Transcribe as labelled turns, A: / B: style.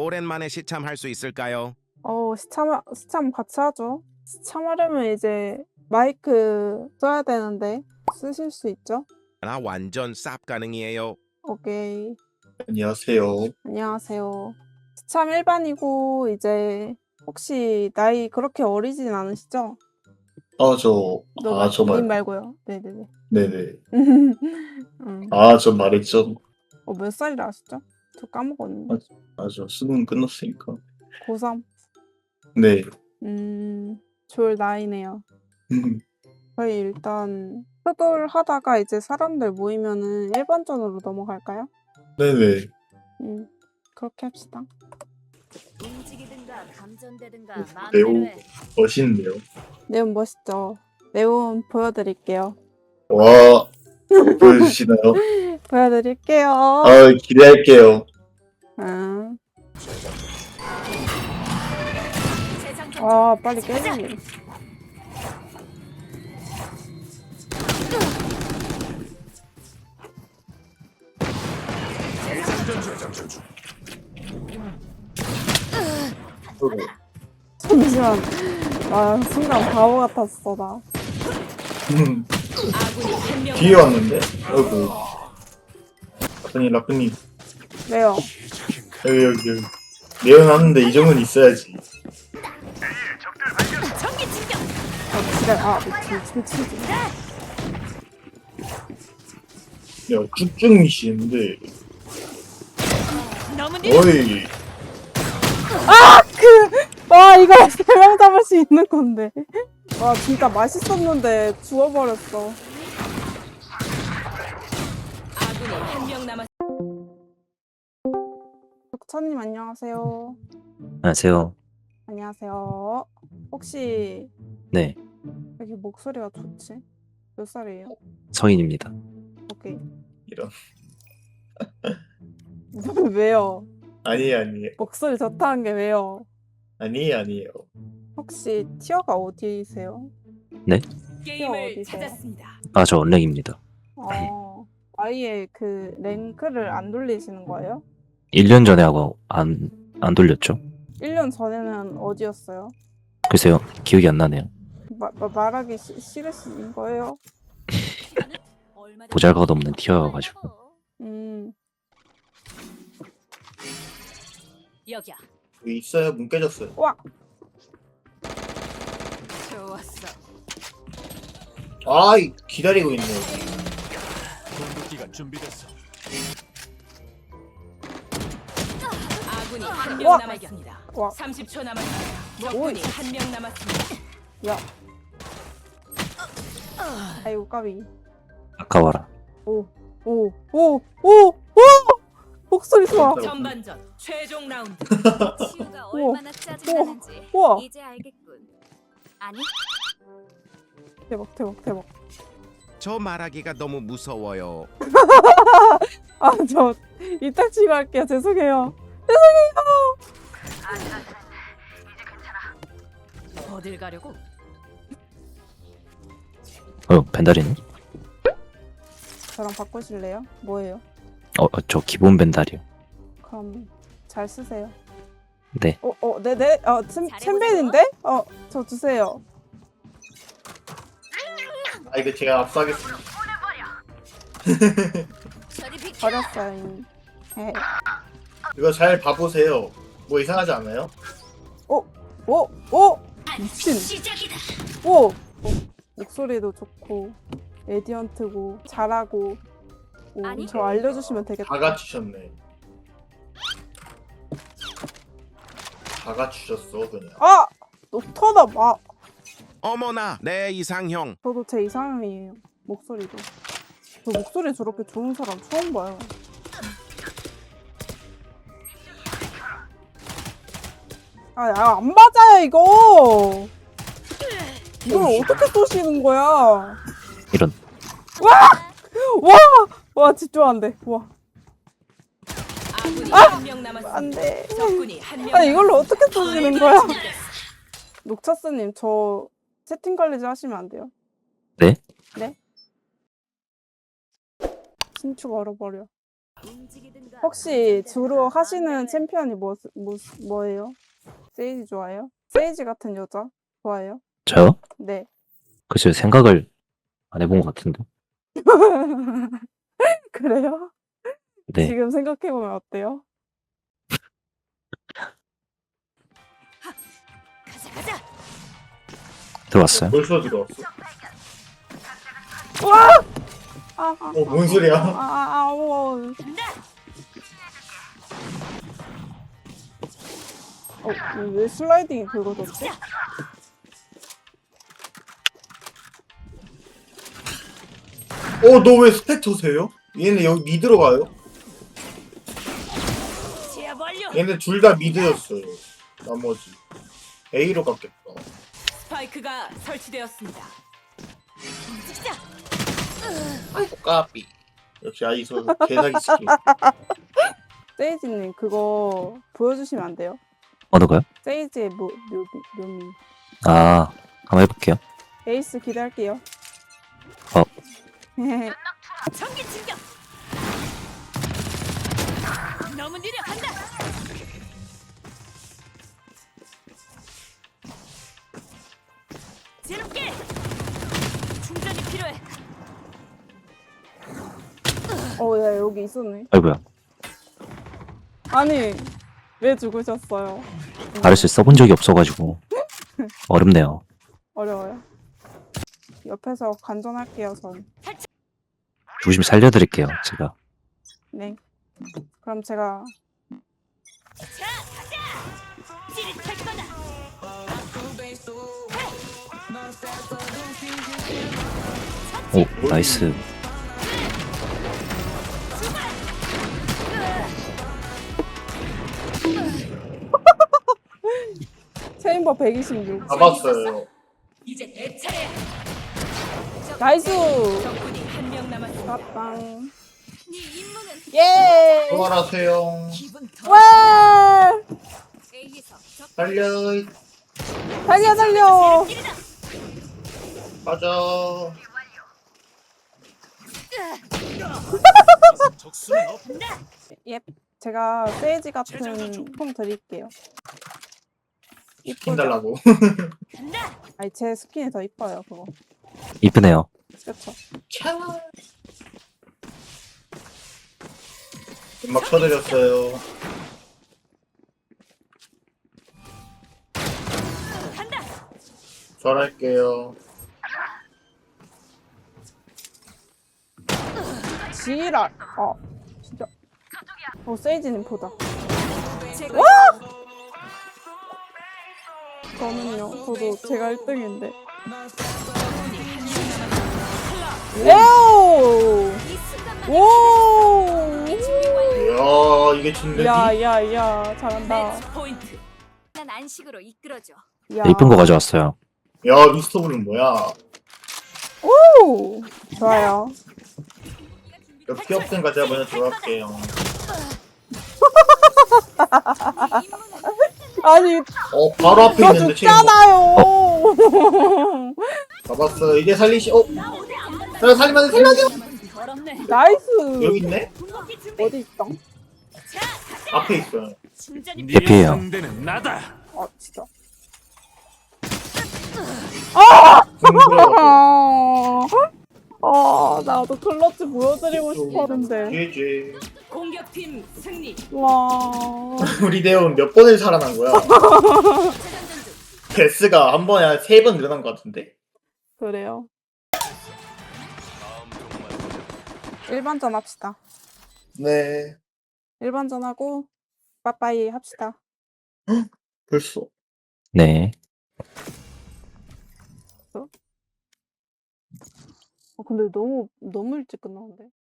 A: 오랜만에 시참할 수 있을까요?
B: 시참 같이 하죠. 시참하려면 이제 마이크 써야 되는데 쓰실 수 있죠?
A: 나 완전 쌉 가능이에요.
B: 오케이.
C: 안녕하세요.
B: 안녕하세요. 시참 일반이고 이제 혹시 나이 그렇게 어리진 않으시죠? 님 말고요. 네네네.
C: 네네.
B: 음.
C: 저 말했죠.
B: 몇 살이라 하시죠? 저 까먹었는데.
C: 수능 끝났으니까.
B: 고3.
C: 네.
B: 좋을 나이네요. 저희 일단 효돌 하다가 이제 사람들 모이면은 일반전으로 넘어갈까요?
C: 네네.
B: 그렇게 합시다.
D: 움직이든가 감전되든가
C: 매우
D: 마음대로 해.
C: 멋있네요.
B: 네온 멋있죠? 네온 보여드릴게요.
C: 와, 보여주시나요?
B: 보여드릴게요.
C: 기대할게요.
B: 응.
D: 재장전
B: 빨리 깨지네. 잠시만. 순간 바보 같았어 나.
D: 아군이 한명
C: 뒤에 왔는데? 아이고. 라프님.
B: 왜요?
C: 여기. 내연하는데 이 정도는 있어야지.
D: 전기 진격.
B: 미치지.
C: 야, 쭉쭉 미시는데.
D: 너무
C: 어이.
B: 이거 3명 잡을 수 있는 건데. 진짜 맛있었는데 죽어버렸어.
D: 아군이 한명 남았.
B: dok차님 안녕하세요.
E: 안녕하세요.
B: 안녕하세요. 혹시
E: 네,
B: 왜 이렇게 목소리가 좋지? 몇 살이에요?
E: 성인입니다.
B: 오케이.
C: 이런.
B: 왜요?
C: 아니에요.
B: 목소리 좋다는 게 왜요?
C: 아니에요.
B: 혹시 티어가 어디세요?
D: 게임을
B: 어디세요?
D: 찾았습니다.
E: 저 언랭입니다.
B: 아예 그 랭크를 안 돌리시는 거예요?
E: 1년 전에 하고 안 돌렸죠?
B: 1년 전에는 어디였어요?
E: 글쎄요, 기억이 안 나네요.
B: 말하기 싫으신 거예요?
E: 보잘것없는 티어여가지고.
D: 여기야.
C: 여기 있어요. 문 깨졌어요.
B: 와!
D: 좋았어.
C: 기다리고 있네.
F: 공격기가 준비됐어.
D: 아군이 한명
B: 와!
D: 남았습니다.
B: 와.
D: 30초 남았습니다. 적군이 한명 남았습니다.
B: 야. 아이고 까비.
E: 아까워라.
B: 오! 목소리 좋아.
D: 전반전 최종 라운드.
G: 치유가 얼마나 짜증나는지
B: 우와.
G: 이제 알겠군. 아니,
B: 대박.
A: 저 말하기가 너무 무서워요.
B: 저 이따 치고 할게요. 죄송해요.
D: 어딜 가려고?
E: 벤달이네?
B: 저랑 바꾸실래요? 뭐예요?
E: 저 기본 벤달이요.
B: 그럼 잘 쓰세요.
E: 네.
B: 네네. 챔벤인데? 저 주세요.
C: 이거 제가 압수하겠습니다.
G: 저리 비켜.
B: 버렸어요 이미.
C: 이거 잘 봐보세요. 뭐 이상하지 않아요?
B: 미친.
G: 시작이다.
B: 목소리도 좋고 에디언트고 잘하고.
G: 아니.
B: 저 알려주시면 되겠다.
C: 다 갖추셨네. 다 갖추셨어 그냥.
B: 노터다 마.
A: 어머나, 내 이상형.
B: 저도 제 이상형이에요. 목소리도. 저 목소리 저렇게 좋은 사람 처음 봐요. 안 맞아요 이거. 이걸 어떻게 쏘시는 거야?
E: 이런.
B: 와 집중한대. 와.
D: 아군이 한명 남았습니다.
B: 안돼.
D: 적군이 한명.
B: 이걸로 어떻게 쏘시는 거야? 녹차스님 저 채팅 관리 좀 하시면 안 돼요?
E: 네?
B: 네? 신축 얼어버려.
D: 움직이든가
B: 혹시 주로 하시는 챔피언이 뭐예요? 세이지 좋아해요? 세이지 같은 여자 좋아해요?
E: 저요?
B: 네.
E: 글쎄요, 생각을 안 해본 것 같은데.
B: 그래요?
E: 네.
B: 지금 생각해보면 어때요?
G: 가자 가자.
E: 들어왔어요?
C: 벌써 들어왔어?
B: 아,
C: 뭔 소리야?
B: 왜 슬라이딩이 긁어졌지?
C: 너 왜 스펙터세요? 얘네 여기 미드로 가요?
D: 제압 완료.
C: 얘네 둘 다 미드였어요. 나머지 A로 갔겠다.
D: 스파이크가 설치되었습니다.
G: 움직이자.
C: 아이고 까비. 역시 아이소 개사기 스킨.
B: 세이지님 그거 보여주시면 안 돼요?
E: 어느 거요?
B: 세이지의 묘미.
E: 아, 한번 해볼게요.
B: 에이스 기대할게요.
G: 전기 진격. 너무 느려 간다. 새롭게. 충전이 필요해.
B: 야 여기 있었네.
E: 아이고야.
B: 아니 왜 죽으셨어요?
E: 아르스 써본 적이 없어가지고 어렵네요.
B: 어려워요. 옆에서 관전할게요 전.
E: 죽으시면 살려드릴게요, 제가.
B: 네. 그럼 제가
G: 자 가자. 찌릿할 거다.
E: 오, 나이스.
B: 체인버 126.
C: 잡았어요.
D: 이제 내 차례.
B: 나이스.
D: 적군이 한 명 남았습니다.
B: 빵.
G: 네 임무는
B: 예.
C: 수고하세요.
G: 기분 더.
B: 와.
G: A에서 적
C: 달려.
B: 달려.
G: 길이다.
C: 가자.
F: 적수는 없.
B: 예. 제가 세이지 같은 통 드릴게요.
C: 스킨
B: 이쁘죠?
C: 달라고.
G: 간다.
B: 아니 제 스킨이 더 이뻐요 그거.
E: 이쁘네요.
B: 그렇죠.
C: 음악 쳐드렸어요.
G: 간다.
C: 잘할게요.
B: 지랄. 진짜. 세이지님 보자.
G: 제가
B: 저는요. 저도 제가 1등인데. 에오.
G: 이 순간만
B: 오.
G: 준비 완료.
C: 이야 이게 진내기?
B: 야야야 잘한다.
D: 매치 포인트.
G: 난 안식으로 이끌어줘.
B: 야.
E: 이쁜 거 가져왔어요.
C: 야 미스터블은 뭐야?
B: 오. 좋아요.
C: 몇 피업생까지 제가 먼저 들어갈게요.
G: 네 임무는
B: 아니
C: 바로 앞에
B: 저
C: 있는데 지금
B: 죽잖아요.
C: 잡았어. 이제 내가 살리면 살려줘.
G: 더럽네.
B: 나이스.
C: 여기 있네?
G: 궁극기 준비.
B: 어디 있어?
G: 자
C: 앞에 있어요.
G: 충전이
F: 네
E: 예피해요.
F: 상대는 나다.
B: 진짜. 나도 클러치 보여드리고 싶었는데.
C: GG.
D: 공격팀 승리.
B: 와.
C: 우리 대원 몇 번을 살아난 거야? 데스가 한 번에 한 3번 늘어난 것 같은데?
B: 그래요. 일반전 합시다.
C: 네.
B: 일반전 하고 빠빠이 합시다.
C: 벌써.
E: 네.
B: 근데 너무 일찍 끝나는데.